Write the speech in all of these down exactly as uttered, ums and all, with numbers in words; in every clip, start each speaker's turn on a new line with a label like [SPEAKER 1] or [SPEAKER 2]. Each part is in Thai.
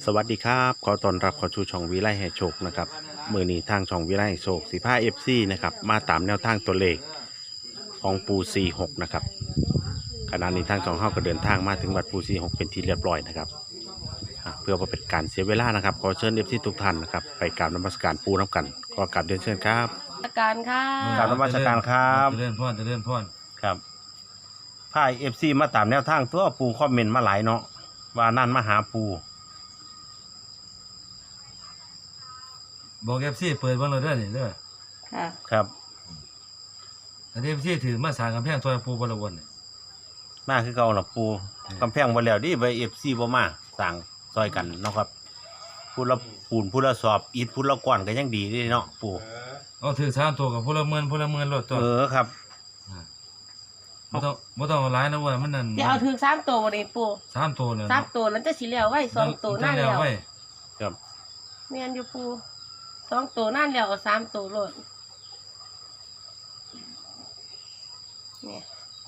[SPEAKER 1] สวัสดีครับขอต้อนรับเข้าสู่ช่องวิไลให้โชคนะครับมือนี้ทางช่องวิไลให้โชคสิบห้าเอฟซีนะครับมาตามแนวทางตัวเลขของปูสี่หกนะครับขณะนี้ทางช่องเฮาก็เดินทางมาถึงวัดปูสี่หกเป็นที่เรียบร้อยนะครับอ่ะเพื่อบ่เป็นการเสียเวลานะครับขอเชิญเอฟซีทุกท่านนะครับไปกราบนมัสการปูน้ำกันก็กราบเรียนเชิญครับ
[SPEAKER 2] อาการค่ะ
[SPEAKER 1] กราบนมัสการครับ
[SPEAKER 3] เจริญพรเจริญพร
[SPEAKER 1] ครับพายเอฟซีมาตามแนวทางตัวปูคอมเมนต์มาหลายเนาะว่านั่นมาหาปู
[SPEAKER 3] บอกเอฟซีเปิดเบ้างเลยเด้อนี่เด้อ
[SPEAKER 2] ค่ะ
[SPEAKER 1] ครับ
[SPEAKER 3] อันนี้เอฟซีถือมาสร้างกำแพงซอยปูบรวนนี่
[SPEAKER 1] มาคือเก่าล่ะปูกำแพงบ่แล้วดิใบเอฟซีบ่มาสั่งซอยกันเนาะครับพูดละปูนพูดละสอบอิฐพูดละก้อนก็ยังดีเด้เนาะปู
[SPEAKER 3] เอาถือสามตัวกับพลเมืองพลเมืองรถตัว
[SPEAKER 1] เออครับ
[SPEAKER 3] บ่ต้องบ่ต้องเอาหลายนะเว้ยมันนั่น
[SPEAKER 2] เดี๋ยวเอาถึงสามตัววันนี้ปู
[SPEAKER 3] สามตัวเลย
[SPEAKER 2] สามตัวแล้วจะสีเหลียวไว้สองตัวหน้าเหลียว
[SPEAKER 3] ไว้
[SPEAKER 1] ครับ
[SPEAKER 2] เมียนอยู่ปูสองตัวหน้าเหลียวเอาสามตัวโลดเนี่ย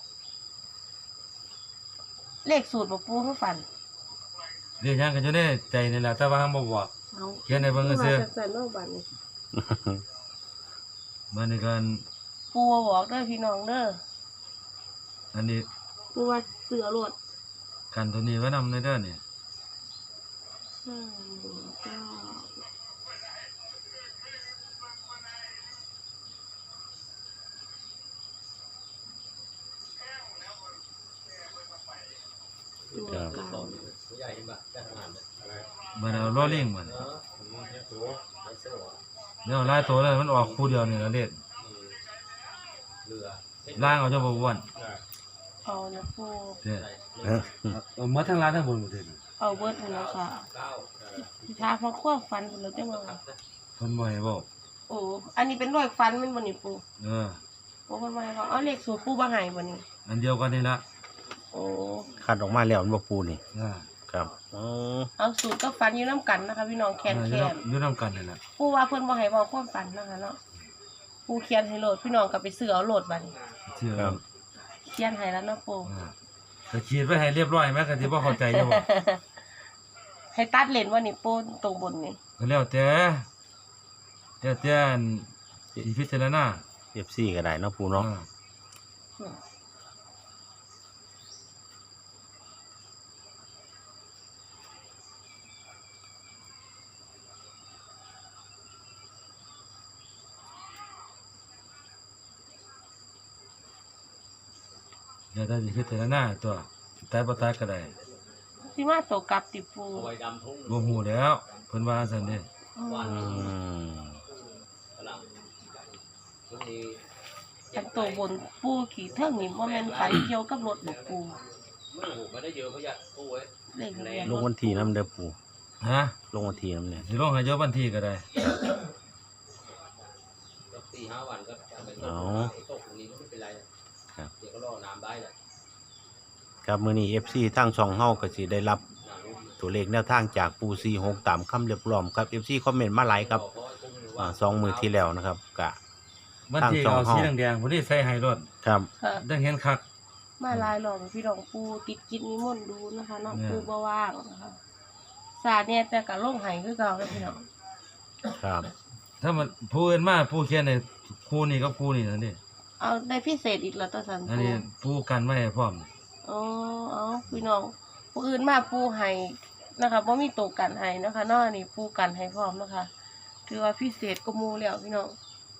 [SPEAKER 2] เลขสูตรบ่ปูเขาฝัน
[SPEAKER 3] เรียกยังกันอยู่ในใจนี่แหละแต่ว่าบ่บอก
[SPEAKER 2] เอา
[SPEAKER 3] เขียนในเบิ่งซื่อ
[SPEAKER 2] มาจากสันโนบันนี่
[SPEAKER 3] มันนี่กัน
[SPEAKER 2] ปูบอกเด้อพี่น้องเด้อ
[SPEAKER 3] อันนี้
[SPEAKER 2] ปูว่าเสือโลด
[SPEAKER 3] กันตัวนี้ไว้นำในเด้อนี่
[SPEAKER 2] อืมก็ตัวเก่า
[SPEAKER 3] มันเอาล้อเลียงมันเดี๋ยวหลายตัวแล้วมันออกคู่เดียวนี่ละเลขล่างเอาเจ้าบ่อ้วน
[SPEAKER 2] เอานะปู
[SPEAKER 3] เด้อเอาหมดทั้งล่างทั้งบนหมดเลย
[SPEAKER 2] เอาเบิดหมดแล้วค่ะถ้าพอควบฟันผมแล้วจะมา
[SPEAKER 3] เพิ่นบ่ให้บอก
[SPEAKER 2] โอ้อันนี้เป็นรอยฟันมันบนนี่ปู
[SPEAKER 3] เออ
[SPEAKER 2] โอ้มันมาเขาเอาเลขสูตรปูบาหายบนนี่
[SPEAKER 3] อันเดียวกันนี่ละ
[SPEAKER 2] โอ้
[SPEAKER 1] คัดออกมาแล้วมันบ่ปูนี่
[SPEAKER 3] อ่า
[SPEAKER 1] ครับอ๋อ
[SPEAKER 2] เอาสูตรก็ฟันอยู่น้ำกันนะคะพี่น้องแคน
[SPEAKER 3] อ
[SPEAKER 2] แค
[SPEAKER 3] ยู่
[SPEAKER 2] น
[SPEAKER 3] นำอยู่นำกันนี่แหละ
[SPEAKER 2] ปูว่าเพิ่นบ่ให้บอกความฝันนะคะเนาะปูเขียนให้โหลดพี่น้องก็ไปซื้อเอาโหลดบัดนี้
[SPEAKER 3] เชื่อ
[SPEAKER 1] ครับ
[SPEAKER 2] เขียนให้แล้วเนาะปู
[SPEAKER 3] อ่าก็ขีดไว้ให้เรียบร้อยแม้ก็สิบ่เข้าใจอยู่บ่
[SPEAKER 2] ให้ตัดเลนว่านี่ปูตรงบนนี่
[SPEAKER 3] ก็แล้วแต่แล้วแต่อันสิพิจารณา
[SPEAKER 1] เอฟซีก็ได้เนาะปูเนาะ
[SPEAKER 3] อ่า
[SPEAKER 2] อืม
[SPEAKER 3] แล้วแต่สิพิจารณาตัวตายบ่ตายก็ได้
[SPEAKER 2] สิมาตกกลับติปู
[SPEAKER 3] บ่ฮู้แล้วเพิ่นว่าซั่นเด้
[SPEAKER 2] อื
[SPEAKER 1] อื
[SPEAKER 2] ม
[SPEAKER 1] ม
[SPEAKER 2] อันตัวบนปูขี่เทิงนี่บ่แม่นฝันเกี่ยวกับรถบ่ปูเลขทะเบียน
[SPEAKER 1] ล
[SPEAKER 2] รง ถ
[SPEAKER 1] วันที่น้ำเด้อปู
[SPEAKER 3] ฮะ
[SPEAKER 1] ลงวันที่น้ำเนี่ย
[SPEAKER 3] สิลงให้เยอะบันทีก็ได้
[SPEAKER 4] สี่ห้าวันก็จะเป็น
[SPEAKER 1] เอา
[SPEAKER 4] ตกตรงนี้ก็ไม่เป็นไร
[SPEAKER 1] ครับ
[SPEAKER 4] เดี๋ยวก็รอน้ำได้แหละ
[SPEAKER 1] ครับมื้อนี้เอฟซีทางช่องเฮาก็สิได้รับตัวเลขแนวทางจากปูสี่หกตามคำเรียบร้อยครับเอฟซีคอมเมนต์มาหลายครับอ่าสองมื้อที่แล้วนะครับก็
[SPEAKER 3] บันที
[SPEAKER 1] ตั้ง
[SPEAKER 3] เอา
[SPEAKER 1] ช่อง
[SPEAKER 3] สี
[SPEAKER 1] เฮา
[SPEAKER 3] แดงๆพุ่นนี่ใส่ให้รถ
[SPEAKER 1] ครับ
[SPEAKER 2] ค่ะ
[SPEAKER 3] ได้เห็นคัก
[SPEAKER 2] มาหลายรอบพี่น้องปูติดกิจนิมนต์ดูนะคะเนาะ
[SPEAKER 3] เนี่ย
[SPEAKER 2] ปูบ่ว่างนะคะศาสตร์เนี่ยแต่ก็ลงให้คือเก่าแล้วพี่น้อง
[SPEAKER 1] ครับ
[SPEAKER 3] ถ้ามันผู้อื่นมาผู้เขียนในคู่นี้กับคู่นี้นั่นนี่
[SPEAKER 2] เอาได้พิเศษอีกแล้วตัวสัน
[SPEAKER 3] อัน
[SPEAKER 2] ปู
[SPEAKER 3] นี้ผู้กันไว้ให้พร้อม
[SPEAKER 2] อ๋อเอาพี่น้องผู้อื่นมาปูให้นะคะบ่มีตัวกันให้นะคะเนาะอันนี้ปูกันให้พร้อมนะคะถือว่าพิเศษกว่าหมู่แล้วพี่น้อง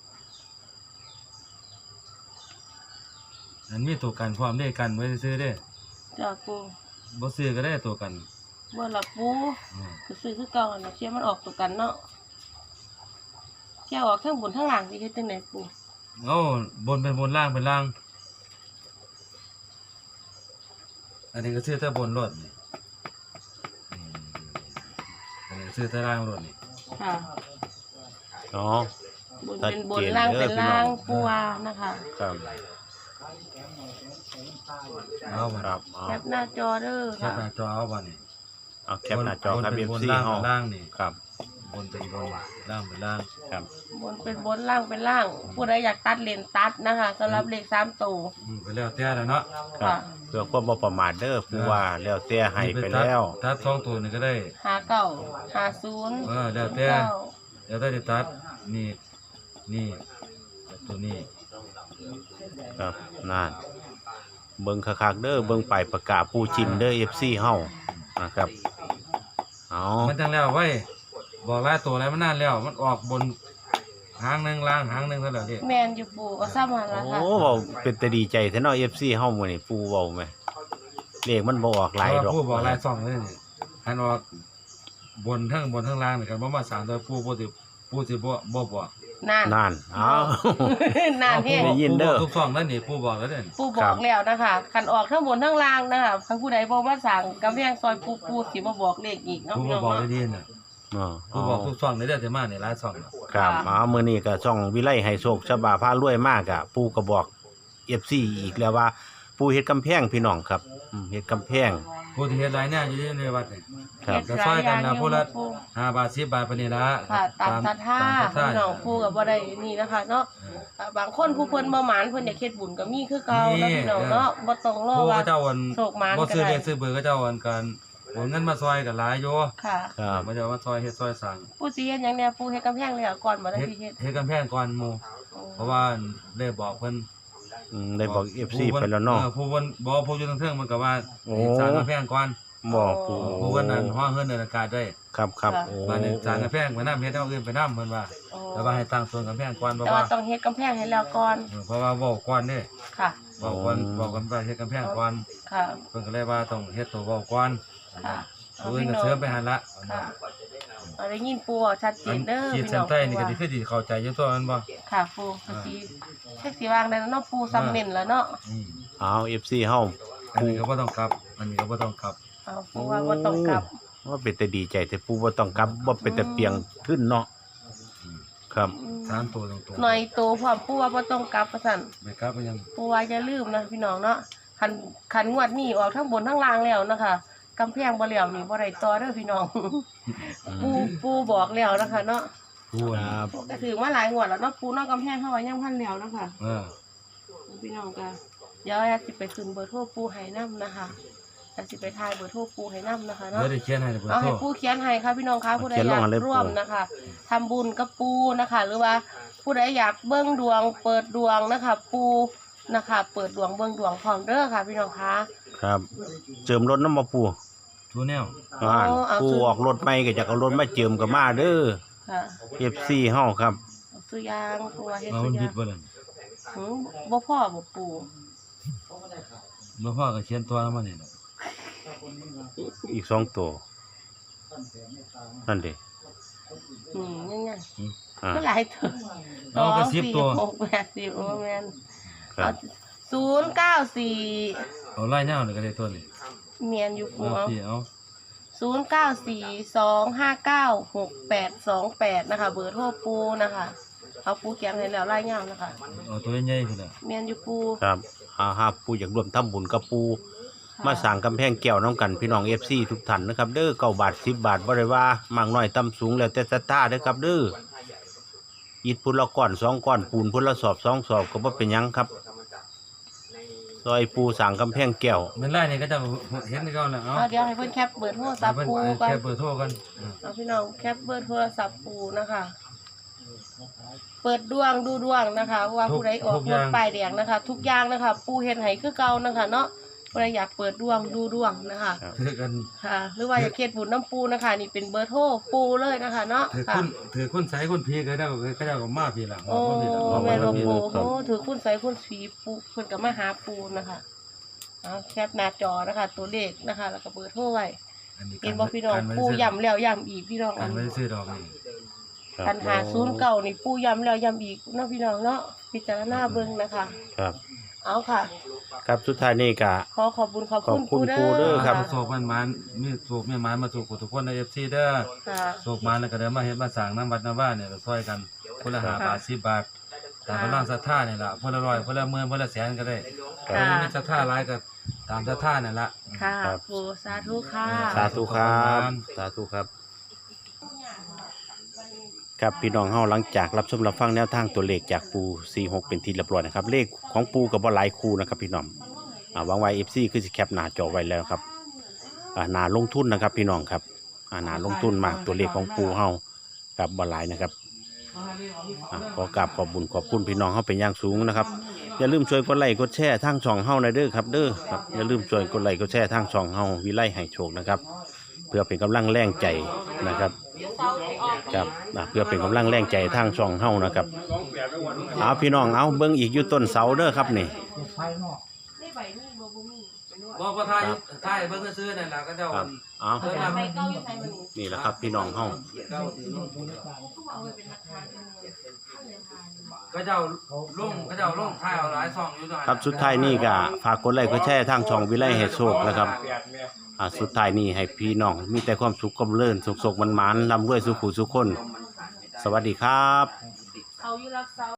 [SPEAKER 3] อันมีตัวกันพร้อมได้กันไว้ซื้อได้
[SPEAKER 2] จ้าปู
[SPEAKER 3] บ่ซื้อก็ได้ตัวกัน
[SPEAKER 2] บ่ล่ะปู
[SPEAKER 3] อืม
[SPEAKER 2] ก็ซื้อคือเก่าหั่นล่ะเชื่อมันออกตัวกันเนาะเที่ยวออกทั้งบนทั้งล่างสิเฮ็ดจังไดปู
[SPEAKER 3] เอาบนเป็นบนล่างเป็นล่าง อันนี้ก็ซื้อแต่บนรถนี่อืมอันนี้ซื้อแต่ล่างรถนี่
[SPEAKER 2] ค่ะ
[SPEAKER 1] อ๋อบ
[SPEAKER 2] นเป็นบนล่างเป็นล่างปูว่านะคะ
[SPEAKER 1] ครับ
[SPEAKER 3] เอาบัด
[SPEAKER 1] ครับเอา
[SPEAKER 2] แคปหน้าจอเด้อ
[SPEAKER 3] แคป
[SPEAKER 2] ค่ะ
[SPEAKER 3] หน้าจอเอาบัดนี่
[SPEAKER 1] เอาแคปหน้าจอครับ
[SPEAKER 3] บน
[SPEAKER 1] เอฟ
[SPEAKER 3] เป็นบน
[SPEAKER 1] ซี
[SPEAKER 3] ล่าง
[SPEAKER 1] เฮา
[SPEAKER 3] เป็นล่างนี่
[SPEAKER 1] ครับ
[SPEAKER 3] บนเป็นบนล่างเป็นล่าง
[SPEAKER 1] ครับ
[SPEAKER 2] บนเป็นบนล่างเป็นล่าง ผู้ใดอยากตัดเลนตัดนะคะสำหรับเลขสามตัว
[SPEAKER 3] อืมไปแล้วแต่แล้วเนาะ
[SPEAKER 1] ครับ
[SPEAKER 2] ค่ะ
[SPEAKER 1] เพื่อความบ่ประมาทเด้อผู้ว่าแล้วแต่ให้ไปแล้ว
[SPEAKER 3] ตัดสองตัวนี่ก็ได้
[SPEAKER 2] หาเก้าหาศูนย์
[SPEAKER 3] เออแล้วแต่
[SPEAKER 2] เก้า
[SPEAKER 3] แล้วแต่จะตัดนี่นี่ตัวนี้
[SPEAKER 1] ครับนั่นเบิ่งคักๆเด้อเบิ่งไปายประกาศปูจินเด้อ เอฟ ซี เฮานะครับเอา
[SPEAKER 3] มันจังแล้วไว้บอกหลายตัวแล้วมันนานแล้วมันออกบนหางหนึงล่างหางหนึงเท่านั้นเด้
[SPEAKER 2] แมนอยู่ปูก็ซ้ำมาแล้วค่ะ
[SPEAKER 1] โอ้เว้าเป็นแต่ดีใจแท้เนาะ เอฟ ซี เฮามื้อนี้ปูเว้าแม่เลขมันบ่ออกหลายดอก
[SPEAKER 3] ผู้บอกหลายสองเลยนี่หันออกบนทั้งบนทั้งล่างนี่กันบ่มาสามตัวผู้บ่สิผู้สิบ่บ่บอก
[SPEAKER 2] นาน
[SPEAKER 1] นั่นเอา
[SPEAKER 2] นานแห้ง
[SPEAKER 1] ได้ยินเด้อ
[SPEAKER 3] ผู้บอกทุกสองนั่นนี่ผู้บอกแล้วเด้อ
[SPEAKER 2] ปูบอกแล้วนะคะคันออกทั้งบนทั้งล่างนะคะคันผู้ใดบอกว่าสั่งกำแพงซอยปูปูสิมาบอกเลขอีกเนาะ
[SPEAKER 3] ผู้
[SPEAKER 2] พี่
[SPEAKER 3] บ่
[SPEAKER 2] น้อง
[SPEAKER 3] บอกได้
[SPEAKER 2] เนาะ
[SPEAKER 3] ดีน่ะ
[SPEAKER 1] อ๋อ
[SPEAKER 3] ผู้บอกทุกสองนี่เด้อแต่มานี่หลายสองน่ะ
[SPEAKER 1] ครับอ๋อมื้อนี้ก็ช่องวิไลให้โชคฉบาพารวยมากอ่ะปูก็บอก เอฟ ซี อีกแล้วว่า ปูเฮ็ดกำแพงพี่น้องครับอืมเฮ็ดกำแพง
[SPEAKER 3] ผู้ที่เฮ็ดหลายแนวอยู่ในวัดนี่
[SPEAKER 1] ครับ
[SPEAKER 3] ก็ซอยกันนะผู้ละห้าบาทสิบบาทปานนี้ละ
[SPEAKER 2] ค่ะตามศรัทธา
[SPEAKER 3] ตามศรัทธา
[SPEAKER 2] พี่น้องปูกับบ่ได้นี่นะคะเนาะอ่าบางคนผู้เพิ่นบ่หมานเพิ่นอยากเฮ็ดบุญก็มีคือเก่าเนาะพี่น้องเนาะบ่ต้องรอ
[SPEAKER 3] ผู้
[SPEAKER 2] ว่า
[SPEAKER 3] เขาเจ้าวัน
[SPEAKER 2] โศกหมาน
[SPEAKER 3] บ่
[SPEAKER 2] ก็
[SPEAKER 3] ซื้อ
[SPEAKER 2] ได้
[SPEAKER 3] เลขซื้อเบอร์เขาเจ้าวันกันโอนเงินมาซอยกันหลายอยู่
[SPEAKER 2] ค่ะ
[SPEAKER 1] ครับ
[SPEAKER 3] มาเจ้ามาซอยเฮ็ดซอยสั่ง
[SPEAKER 2] ผู้สิเฮ็ดหยังแน่ปูเฮ็ดกำแพงแล้วก่อนบ่ได้
[SPEAKER 3] เฮ็ด
[SPEAKER 2] พี่เฮ็ด
[SPEAKER 3] เฮ็ดกำแพงก่อนหมู่เพราะว่าได้บอกเพิ่น
[SPEAKER 1] อืมได้บอก เอฟ ซี ไปแล้วเนาะ
[SPEAKER 3] ออผู้เพิ่นบอกผู้อยู่ทางเทิงมันก็ว่า
[SPEAKER 1] โอ้
[SPEAKER 3] สร้างกำแพงก่อน
[SPEAKER 1] บอกปู
[SPEAKER 3] ผู้เพิ่นนั่นฮ้อเฮือนเดินอากาศได้
[SPEAKER 1] ครับครับโอ้
[SPEAKER 3] บ้านนี้สร้างกำแพงไปนำเฮ็ดเอาอื่นไปนำเพิ่นว่า
[SPEAKER 2] โอ้
[SPEAKER 3] แต่ว่าให้ตั้งต้นกำแพงก่อนเพราะ
[SPEAKER 2] แต่
[SPEAKER 3] ว่า
[SPEAKER 2] ว่าต้องเฮ็ดกำแพงให้แล้วก่อน
[SPEAKER 3] เออเพราะว่าเว้าก่อนเด้
[SPEAKER 2] ค่ะ
[SPEAKER 3] เว้าก่อนเว้ากันว่าเฮ็ดกำแพงก่อน
[SPEAKER 2] ค่ะ
[SPEAKER 3] เพิ่นก็เลยว่าต้องเฮ็ดตัวเว้าก่อน
[SPEAKER 2] ค่ะ
[SPEAKER 3] ผู้อื่นก็เสริมไปหั่นละ
[SPEAKER 2] ค่ะเอาได้ยินปูเอาชัดเจ
[SPEAKER 3] อั
[SPEAKER 2] น
[SPEAKER 3] น
[SPEAKER 2] เด้อ
[SPEAKER 3] ขีด
[SPEAKER 2] พี่
[SPEAKER 3] เส้
[SPEAKER 2] น้
[SPEAKER 3] น
[SPEAKER 2] อง
[SPEAKER 3] ใต้นี่ก็สิคือสิเข้าใจอยู่ตัวมันบ่
[SPEAKER 2] ค่ะปูก็สิแท็กสิวางได้แล้วเนาะปูซ้ำเน้นแล้วเนาะ
[SPEAKER 3] อืม
[SPEAKER 1] เอา เอฟ ซี เฮา
[SPEAKER 3] อันนี้ก็บ่ต้องกลับ อันนี้ก็บ่ต้องกลับ
[SPEAKER 2] เอาปูว่าบ่ต้องกลับ
[SPEAKER 1] ว่าเป็นแต่ดีใจแต่ปูบ่ต้องกลับบ่เป็นแต่เปียงขึ้นเนาะครับ
[SPEAKER 3] สามตัวตรงๆ
[SPEAKER 2] หน่อยโตพร้อมปูว่าบ่ต้องกลับว่าซั่น
[SPEAKER 3] ไม่กลับก็ยัง
[SPEAKER 2] ปูว่าอย่าลืมนะพี่น้องเนาะคันคันงวดนี้ออกทั้งบนทั้งล่างแล้วนะคะกำแพงบ่แล้วนี่บ่ได้ต่อเด้อพี่น้อง ปูปูบอกแล้วนะคะเนาะ
[SPEAKER 3] ผู้
[SPEAKER 1] ค
[SPEAKER 3] น่ะ
[SPEAKER 1] รับ
[SPEAKER 2] ก็ถือว่าหลายงวดแล้วเนาะปูเนอกกำแพงเฮาว่ายังพันแล้วนะคะ
[SPEAKER 3] เออ
[SPEAKER 2] พี่น้องก็เดี๋ยวแอดสิไปขึ้นเบอร์โทรปูให้นํนะคะแอดสิไปทายเบอร์โทรปูให้นํนะคะเนาะ
[SPEAKER 3] เดี๋ยวได้เขียนให้เบอร์
[SPEAKER 2] เอา
[SPEAKER 3] โทร
[SPEAKER 2] ให้ปูเขียนให้ค่ะพี่น้องคะผู้ใดอยากร่วมนะคะทำบุญกับปูนะคะ หรือว่าผู้ใดอยากเบิ้งดวง เปิดดวงนะคะ ปูนะคะ เปิดดวงเบิ้งดวงพร้อมเด้อค่ะ พี่น้องคะ
[SPEAKER 1] ครับเจิมรถน้ำมาปู
[SPEAKER 3] ทูแนว
[SPEAKER 1] อ่านปูออกรถใหม่ก็จะเอารถมาเจิมก็มาเด้อ
[SPEAKER 2] ค่ะ
[SPEAKER 1] เอฟ ซี เฮาครับ
[SPEAKER 2] เอาซื้อยางปูว่าเฮ็ด
[SPEAKER 3] เอา
[SPEAKER 2] ซื้
[SPEAKER 3] มัน
[SPEAKER 2] อยา
[SPEAKER 3] บิ
[SPEAKER 2] ง
[SPEAKER 3] ดบ่ล่ะ
[SPEAKER 2] หืมบ่พ่อบ่ปู
[SPEAKER 3] บ่พอก็เขียนตัวมานี่ล่ะ
[SPEAKER 1] อีกสองตัวนั่นดิ
[SPEAKER 2] อืมยังไง
[SPEAKER 3] อืม
[SPEAKER 1] อ่า
[SPEAKER 2] ก็หลายตัว
[SPEAKER 3] เอาก็สิบตัว
[SPEAKER 2] หกแปดสิบโอ้แม่น
[SPEAKER 1] ครับ
[SPEAKER 2] ศูนย์เก้าสี่
[SPEAKER 3] เอาไล่แนวนี่ก็ได้ตัวนี่
[SPEAKER 2] เมียนอยู่ปู
[SPEAKER 3] เอา
[SPEAKER 2] เอา
[SPEAKER 3] พี่เอา
[SPEAKER 2] ศูนย์เก้าสี่สองห้าเก้าหกแปดสองแปดนะคะ เบอร์โทรปูนะคะเอาปูเขียนให้แล้วไล่เงานะคะ
[SPEAKER 3] เอาตัวใหญ่ๆพุ่นน่ะ
[SPEAKER 2] เมียนอยู่ปู
[SPEAKER 1] ครับอาหาปูอยากร่วมทำบุญกับปู มาสั่งกำแพงแก้วน้องกันพี่น้อง เอฟ ซี ทุกท่านนะครับ เด้อเก้าบาทสิบบาทบ่ได้ว่ามากน้อยต่ำสูงแล้วแต่ศรัทธาเด้อครับ เด้ออิฐพุ่นละก้อนสองก้อนปูนพุ่นละสอบสองสอบก็บ่เป็นหยังครับซอยปูสั่งกำแพงแก้ว
[SPEAKER 3] มันไล่นี่ก็จะเห็นนี่ก็แล้วเอา
[SPEAKER 2] เอาเดี๋ยวให้เพื่อนแคปเบอร์โทรศัพท์
[SPEAKER 3] เพิ่น
[SPEAKER 2] ปูก่อน
[SPEAKER 3] แค่เบอร์โทรกันอืม
[SPEAKER 2] เอาพี่น้องแคปเบอร์โทรศัพท์ปูนะคะ เปิดดวงดูดวงนะคะ ว่าผู้ใดออกรถป้ายแดงนะคะ ทุกอย่างนะคะ ปูเฮ็ดให้คือเก่านะคะ เนาะผู้ใดอยากเปิดดวงดูดวงนะคะ
[SPEAKER 3] ถือกัน
[SPEAKER 2] ค่ะ หรือว่าอยากเฮ็ดบุญน้ำปูนะคะ นี่เป็นเบอร์โทรปูเลยนะคะ เนาะ
[SPEAKER 3] ถือ
[SPEAKER 2] ค่ะ
[SPEAKER 3] คุณถือคุณใส่คุณพีก็ได้ก็ได้ก็มาพี่ล่ะ
[SPEAKER 2] โอ้
[SPEAKER 3] ว่าพี่ล่ะว่า
[SPEAKER 2] แม่นบ่
[SPEAKER 3] พี่
[SPEAKER 2] ปู
[SPEAKER 3] ล่ะ
[SPEAKER 2] โอ้ถือคุณใส่คุณสีปูเพิ่นก็มาหาปูนะคะเอาแคปหน้าจอนะคะ ตัวเลขนะคะ แล้วก็เบอร์โทรไว้
[SPEAKER 3] อันนี้
[SPEAKER 2] เห็นบ่พี่น้อง
[SPEAKER 3] การไว้
[SPEAKER 2] ปู
[SPEAKER 3] ซื้อ
[SPEAKER 2] ย้ำแล้วย้ำอีกพี่น้อง
[SPEAKER 3] กา
[SPEAKER 2] อั
[SPEAKER 3] ร
[SPEAKER 2] น
[SPEAKER 3] ไม่ได้ซื้อดอกนี่
[SPEAKER 2] ปัญหาศูนย์เก่านี่ปูย้ำแล้วย้ำอีกเนาะพี่น้องเนาะพิจารณาเบิ่งนะคะ
[SPEAKER 1] ครับ
[SPEAKER 2] เอาค่ะ
[SPEAKER 1] ครับสุดท้ายนี่ก็
[SPEAKER 2] ขอขอบคุณขอบคุณ
[SPEAKER 1] ขอบคุณ
[SPEAKER 2] ปู
[SPEAKER 1] ปูเด้
[SPEAKER 2] เด้
[SPEAKER 1] อ
[SPEAKER 2] อ
[SPEAKER 1] ครับ
[SPEAKER 3] โศกมันมันมีโศกมีมันมาสู่ทุกคนใน เอฟ ซี เด้อ
[SPEAKER 2] ค่ะ
[SPEAKER 3] โศกมันแล้วก็เดี๋ยวมาเฮ็ดมาสร้างน้ำวัดน้ำบ้านเนี่ยช่วยกันคนละห้าบาทสิบบาทตามกำลังศรัทธาเนี่ยล่ะคนละร้อยคนละหมื่นคนละแสนก็ได้
[SPEAKER 2] ค่ะ
[SPEAKER 3] คนมีศรัทธาหลายก็ตามศรัทธาเนี่ยล่ะ
[SPEAKER 2] ค่ะ
[SPEAKER 1] ครับ
[SPEAKER 2] ปูสาธุค่ะ
[SPEAKER 1] สาธุครับสาธุครับครับพี่น้องเฮาหลังจากรับชมรับฟังแนวทางตัวเลขจากปูสี่หกเป็นที่เรียบร้อยนะครับเลขของปูกับบ่หลายคู่นะครับพี่น้องอ่าหวังไว้ เอฟ ซี คือสิแคปหน้าจอไว้แล้วครับอ่าน่าลงทุนนะครับพี่น้องครับอ่าน่าลงทุนมากตัวเลขของปูเฮากับบ่หลายนะครับอ่าขอกราบขอบบุญขอบคุณพี่น้องเฮาเป็นอย่างสูงนะครับอย่าลืมช่วยกดไลค์กดแชร์ทางช่องเฮาหน่อยเด้อครับเด้อครับอย่าลืมช่วยกดไลค์กดแชร์ทางช่องเฮาวิไลให้โชคนะครับเพื่อเป็นกำลังแรงใจนะครับครับอ่าเพื่อเป็นกำลังแรงใจทางช่องเฮานะครับเอาพี่น้องเอาเบิ่งอีกอยู่ต้นเสาเด้อครับนี่
[SPEAKER 2] ได้ใบนี่บ่บ่มีเป็นว่า
[SPEAKER 3] บ่บ่ทายทายเบิ่งซื่อๆนั่นล่ะก็เจ้า
[SPEAKER 1] ครับเอา
[SPEAKER 2] เอาแต่ใบเก้าอยู่ไทยมัน
[SPEAKER 1] นี่แหละครับพี่น้องเฮา
[SPEAKER 2] เอาไว้เป็นหลักฐานเป็นขั้นเรียนทาน
[SPEAKER 3] ก็เจ้าลงก็เจ้าลงทายเอาหลายช่องอยู่ด้วย
[SPEAKER 1] ครับสุดท้ายนี่ก็ฝากกดไลค์กดแชร์ทางช่องวิไลให้โชคนะครับอ่าสุดท้ายนี่ให้พี่น้องมีแต่ความสุขความเจริญสุขๆมันๆร่ำรวยสุขุสุขคนสวัสดีครับ
[SPEAKER 2] เขาอยู่รักษา